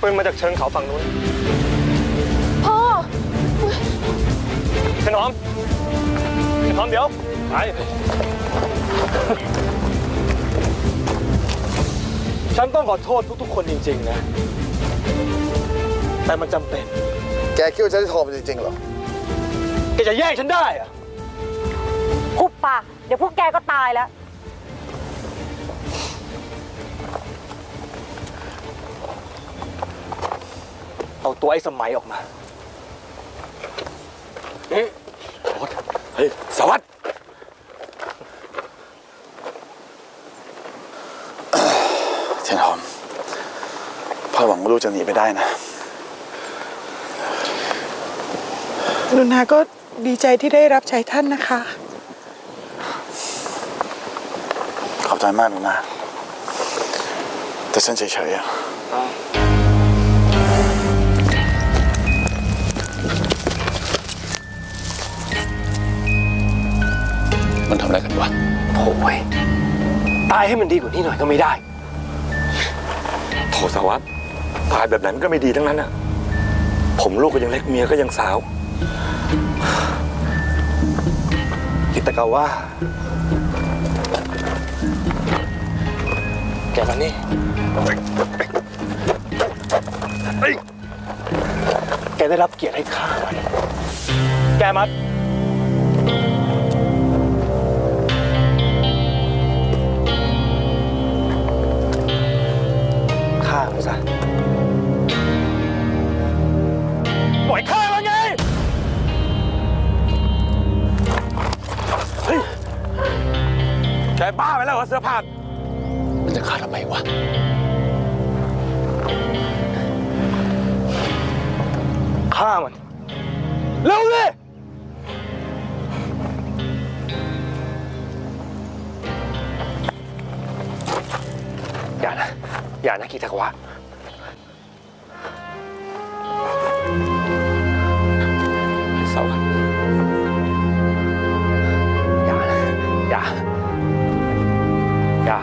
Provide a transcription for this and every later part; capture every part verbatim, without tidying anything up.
ปืนมาจากเชิงเขาฝั่งนู้นพ่อถนอมถนอมเดี๋ยวไปฉันต้องขอโทษทุกๆคนจริงๆนะแต่มันจำเป็นแกคิดว่าฉันจะโทรมันจริงๆเหรอแกจะแย่งฉันได้อะหุบปากเดี๋ยวพวกแกก็ตายแล้วเอาตัวไอ้สมัยออกมาเฮ้ยสวัสดิ์เทียนหอมพ่อหวังว่าลูกจะหนีไปได้นะลุนาก็ดีใจที่ได้รับใช้ท่านนะคะขอบใจมากลุนาแต่ฉันเฉยๆอะมันทำอะไรกันวะโถ่ตายให้มันดีกว่านี้หน่อยก็ไม่ได้โถสวัสดิ์ตายแบบนั้นก็ไม่ดีทั้งนั้นอะผมลูกก็ยังเล็กเมียก็ยังสาวคิดแต่กาว่าแกมานี่แกได้รับเกียรติให้ข้ามันแกมัดฆ่ามันซะปล่อยฆ่ามันไงเฮ้ยแกบ้าไปแล้วเหรอเสื้อผ้ามันจะฆ่าทำไมวะฆ่ามันเร็วเลยอย่านะอย่านะกิตากวะสวัสดิ์อย่านะอย่าอย่า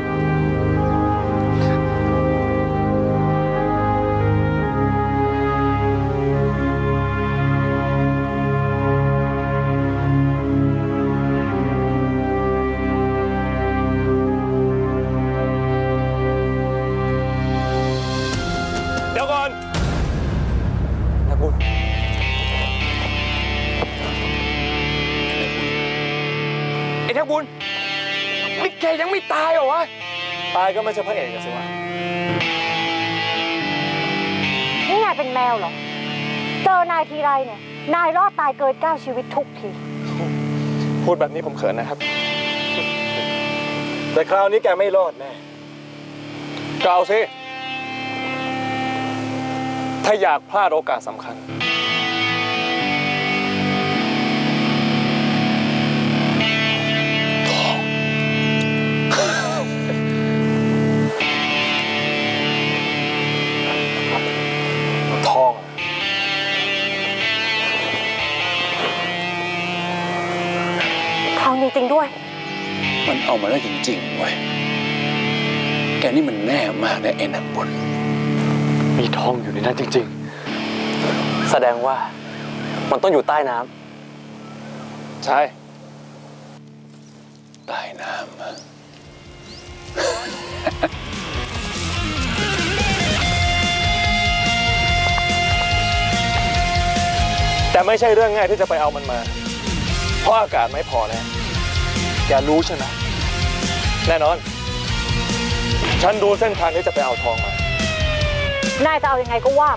เดี๋ยวก่อนนักบุญไอ้นักบุญนี่แกยังไม่ตายเหรอวะตายก็ไม่ใช่พระเอกสิวะนี่นายเป็นแมวเหรอเจอนายทีไรเนี่ยนายรอดตายเกินเก้าชีวิตทุกทีพูดแบบนี้ผมเขินนะครับแต่คราวนี้แกไม่รอดแน่กล่าวสิถ้าอยากพลาดโอกาสสำคัญทองทองจริงๆด้วยมันเอามาได้จริงๆเว้ยแกนี่มันแน่มากเลยไอ้นักบุญมีทองอยู่ในนั้นจริงๆแสดงว่ามันต้องอยู่ใต้น้ำใช่ใต้น้ำแต่ไม่ใช่เรื่องง่ายที่จะไปเอามันมาเพราะอากาศไม่พอแน่แกรู้ใช่ไหมแน่นอนฉันดูเส้นทางที่จะไปเอาทองมานายจะเอายังไงก็ว่า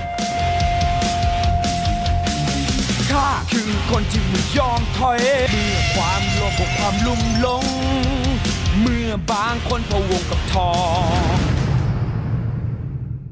ข้าคือคนที่ไม่ยอมถอยเมื่อความโลภกับความลุ่มหลงเมื่อบางคนพะวงกับทอง